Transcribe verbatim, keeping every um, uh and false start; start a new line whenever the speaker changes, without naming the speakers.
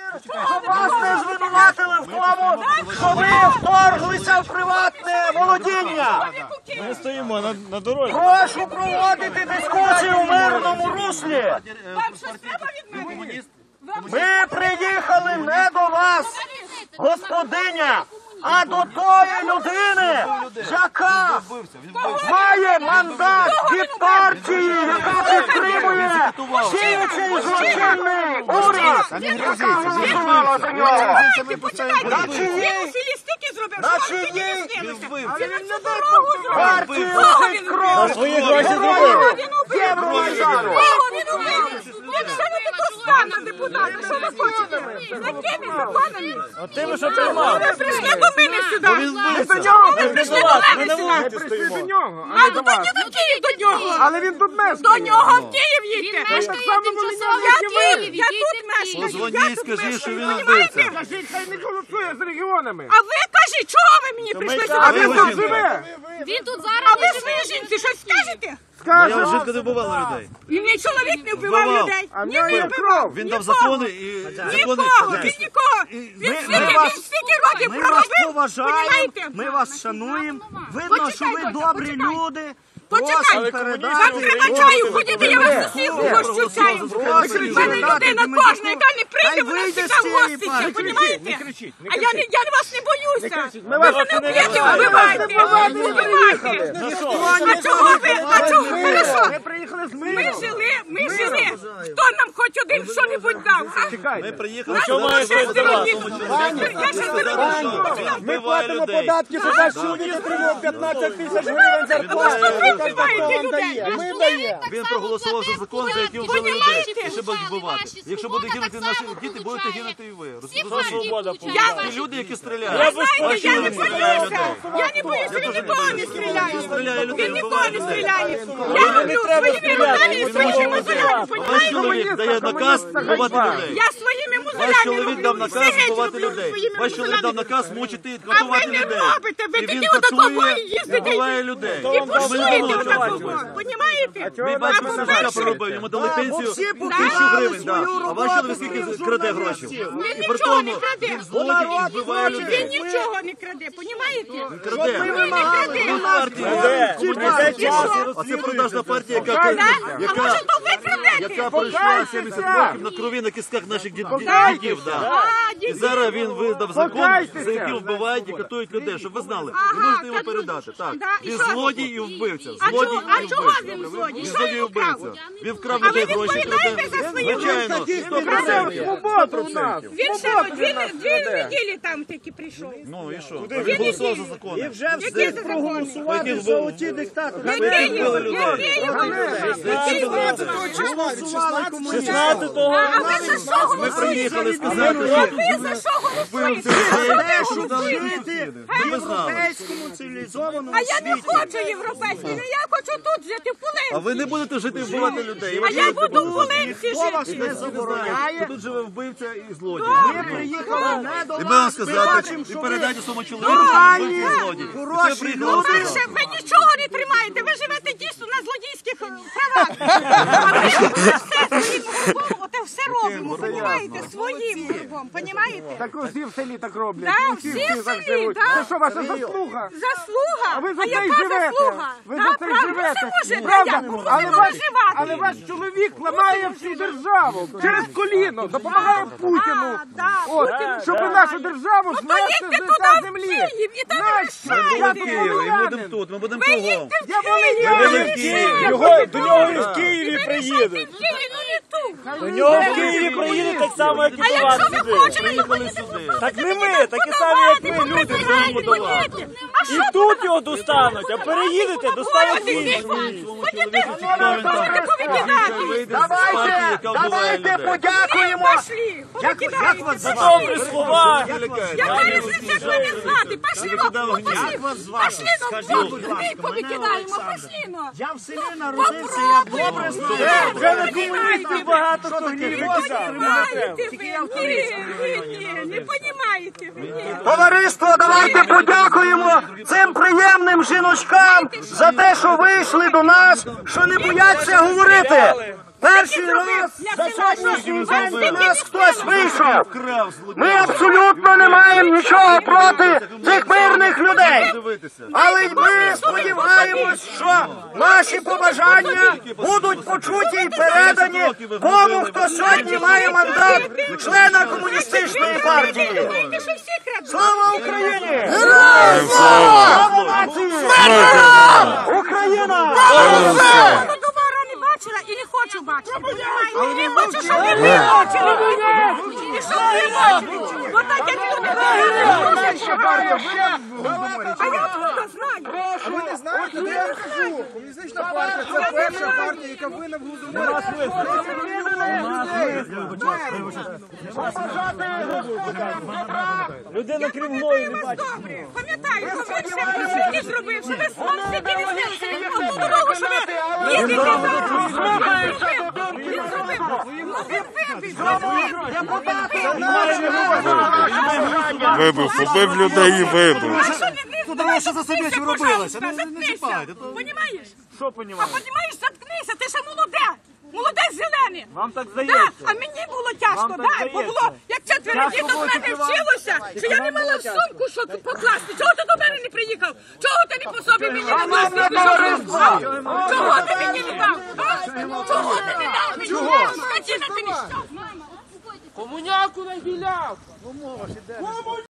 щоб вас не звинуватили в тому, що ви вторглися в приватне володіння.
Ми стоїмо на, на дорозі.
Прошу проводити дискусію в мирному руслі. Ми приїхали не до вас, господиня, а до тої людини, яка має мандат від партії, яка підтримує діючий злочинний уряд, яка голосувала за нього. На чиїй партії лежить кров
Свої гроші зробили.
Євромайдану.
Депутати, що ви хочете? З якими законами?
От тими, що тримали.
Ви прийшли до мене сюди.
Ми
до нього. Ви
Ми
прийшли
до
до
вас, ми
мене
на
сюди.
вулиці стоїмо.
До нього, а
А
не
ну
до
то
вас.
йди в Київ до нього.
Але він тут мешкає.
До нього в Київ їдьте.
Він мешкає тимчасово
Я
в Києві.
Київ, я тут мешкаю.
Позвоніть,
Я тут
скажи,
мешкаю,
що він
понімаєте?
вбивця.
Кажіть, хай не голосує з регіонами.
А ви кажіть, чого ви мені прийшли
ми
сюди?
А він
ви
тут
жінка.
живе.
Він тут
А
зараз
ви
не живе.
своїй жінці щось скажете?
Я
Скаже.
вже не вбивала людей.
І мій чоловік не вбивав
Вбивав.
людей.
А в
Ні,
нього
не
є
вбивав.
кров.
Він дав
Нікого.
закони і закони.
Нікого, він нікого. Він
ми
стільки,
вас-
він стільки років
Ми вас
проробив,
поважаємо,
понімаєте?
ми вас шануємо. Видно, що ви
Почекай,
добрі
почекай.
люди.
Почекай,
Просимо
вам
передати.
треба чаю, ходіть, я вас усіх угощу чаю.
Просимо
В мене
передати
людина
Демидюку.
кожна, яка не прийде,
Хай
вона
вийде з
всіка
цієї
гоститься,
партії.
понімаєте?
Не кричіть, не
А я, не, я вас не боюся.
Ми вас
Ви не вб'єте,
Ми
вбивайте,
вас не
вбивайте.
За що?
А чого ви, а чого, хорошо,
Ми приїхали з
ми
миром.
жили, ми жили. Хто нам хоч один що-небудь дав, а?
Ми приїхали
Що має
Ще
хтось за вас?
Я ще зберу.
Ми платимо податки, що наш чоловік отримав п'ятнадцять тисяч гривень зарплати.
ви
Хто
вбиваєте
вам
людей?
дає? Ми даємо.
Він проголосував за закон, за який вбили людей, і ще будуть вбивати. Якщо будуть гинути наші діти, будете гинути і ви. Розумієте?
Свобода
Ті люди, які
Я
стріляють.
без
Ваші
Я не
люди стріляють
боюся.
людей.
Я не боюся, він нікого не стріляє.
Стріляє людей,
Він нікого
вбиває
не
людей.
стріляє. Я люблю своїми руками і своїми мозолями,
Ваш
понімаєте?
чоловік дає наказ вбивати людей.
Я своїми
Ваш
мозолями
чоловік дав
люблю.
наказ
Все геть
вбивати
люблю
людей.
своїми
Ваш чоловік дав
мозолями.
наказ мучити і
А ви
катувати
не
людей.
робите, ви
І він
тоді отакової
катує і
їздите
вбиває людей.
і
Ми не
пошуєте
думали, що
отаково, понімаєте?
Мій
А
батько все життя
по-перше,
проробив, йому дали пенсію
всі
тисячу
показали
гривень, да.
свою
А ваш чоловік скільки
роботу
краде гроші?
Він
І при
нічого не
тому
краде.
він злодій і вбиває
Він
людей.
нічого не краде, понімаєте?
Краде.
Ви не краде.
Ви партія. А це продажна партія, яка,
А може
яка,
то ви крадете?
яка пройшла сімдесят років на крові на кістках наших дід- дідів. Да.
А,
І
дідів.
зараз він видав закон,
Покайтеся.
за який вбивають і катують людей, щоб ви знали.
Ага,
Ви можете його
катують.
передати. Так.
Да, і
Він
що?
злодій і вбивця.
А
Злодій
чого- а
і
чого
вбивця.
він злодій?
Він
Що
злодій і
він вкрав?
вбивця. Він вкрав
А ви
людей гроші,
відповідаєте
краде.
за свої
Звичайно, сто
Крадемо
процентів.
свободу у нас.
Він ще дві, дві неділі там таки прийшов.
Ну і що? А він голосував за закони.
І вже
Які
встиг
це
проголосувати
закони?
за оті диктатори.
Який
вбили
його?
людей.
Який його? Який його?
шістнадцятого
А ви за що
Ми приїхали
голосуєте?
сказати,
А
що
ви за що голосуєте?
Те, щоб
Щоб дали
жити в
Щоб ви знали.
європейському цивілізованому
А я не
світі.
хочу європейський, я хочу тут жити, в
А
Пулинці.
ви не будете жити і вбивати людей. І
А
ваші
я
люди
буду в
будуть.
Пулинці
Хто вас
жити.
не
Що
забороняє?
тут живе вбивця і злодій.
Ми приїхали не до
І ми вам
вас. Ми
сказати,
бачимо,
і
що ви
передайте своєму чоловіку, що він вбивця і злодій. І це
хороші
приїхали вам
люди.
Перше,
сказати.
ви нічого не тримаєте, ви живете дійсно на злодійських правах. А ми все своїм кругом, оте все робимо, понімаєте, своїм кругом, понімаєте?
Так усі в селі так роблять.
Да,
Усі
всі
всі
в
так
селі,
живуть.
да.
Це що, ваша заслуга?
Заслуга?
А ви за
А
це й
яка
живете.
заслуга?
Ви
Да,
за це й
правда,
живете.
це може,
Правда?
да, як? Кому
Але
не
ваш,
виживати?
але ваш чоловік ламає всю державу через коліно, допомагає Путіну.
А, да,
От,
Путіну,
щоб
да.
нашу державу
Ну,
знести
поїдьте
з
туди,
лиця
в
землі.
Київ, і там
Нащо?
рішайте.
Я
Ми будемо в Києві, і будемо тут, ми будемо
Ви
кругом.
їдьте в
Я
Київ,
волинянин.
ви
в Києві.
їдьте.
Його, до нього і в
І
Києві
ви
приїдуть.
лишайте в Києві, ну не тут.
До нього в Києві приїдуть так само, як і
А
до вас
якщо ви
сюди.
хочете, то
Приїхали
поїдете
сюди.
Так не ми, такі самі, як ми, люди приїдемо до вас.
А
І тут його достануть, а переїдете, достануть
Ходите,
інші.
ходите,
Давайте,
повикидати.
Давайте, давайте подякуємо.
Пошли, повикидаєте.
За добрі слова.
Яка різниця, що не знати? Пошли, пошли,
Як вас звати?
пошли, ну,
Скажіть,
ну,
будь
ми
ласка, мене
повикидаємо,
Олександр.
пошли, ну.
Я в селі народився, я добре знаю.
Вже на комуністів багато хто гнівиться.
Понимаєте ви? Ні, ні, ні, не понімаєте ви, ні.
Товариство, давайте подякуємо цим приємним жіночкам за те, що вийшли до нас, що не бояться говорити. Перший раз за сьогоднішній день до нас хтось вийшов. Ми абсолютно не маємо нічого проти цих мирних людей. Але й ми сподіваємось, що наші побажання будуть почуті і передані тому, хто сьогодні має мандат члена комуністичної партії.
Знаєте, що всі крадуть?
Слава Україні! Героям слава! Слава нації! Україна!
Я товару не бачила і не хочу бачити. Понімаєте? Не хочу, щоб ви не бачили. І щоб ви бачили. Бо так як люди говорять, що а я откуда знаю?
А ви не знаєте, де я кажу? Комуністична партія – це перша партія, яка винна в Голодоморі.
Людина крім мною не бачить.
Добре, пам'ятаю, що він ще присвіті зробив, що ви славсики не знилися. Одну дорогу, що ви їздите зараз. Він зробив. Ну, він вибив.
Вибив, побив людей і вибив.
А що він не здаває, що заткнися, пожалуйста, заткнися. Понімаєш?
Що
А
понімаєш?
понімаєш, заткнися, ти ще молоде. Молоде зелене.
Вам так
Да,
здається.
а мені було тяжко,
Вам так
да,
здається.
бо було, як четверо
Тяжко
діток в
було
мене
тільки вам.
вчилося, що я не мала в сумку, що покласти. Чого ти до мене не приїхав? Чого ти не по собі мені не дав? Чого ти мені не дав? А? Чого ти не дав мені? Скотина ти ніщо.
Комуняку нагіляв!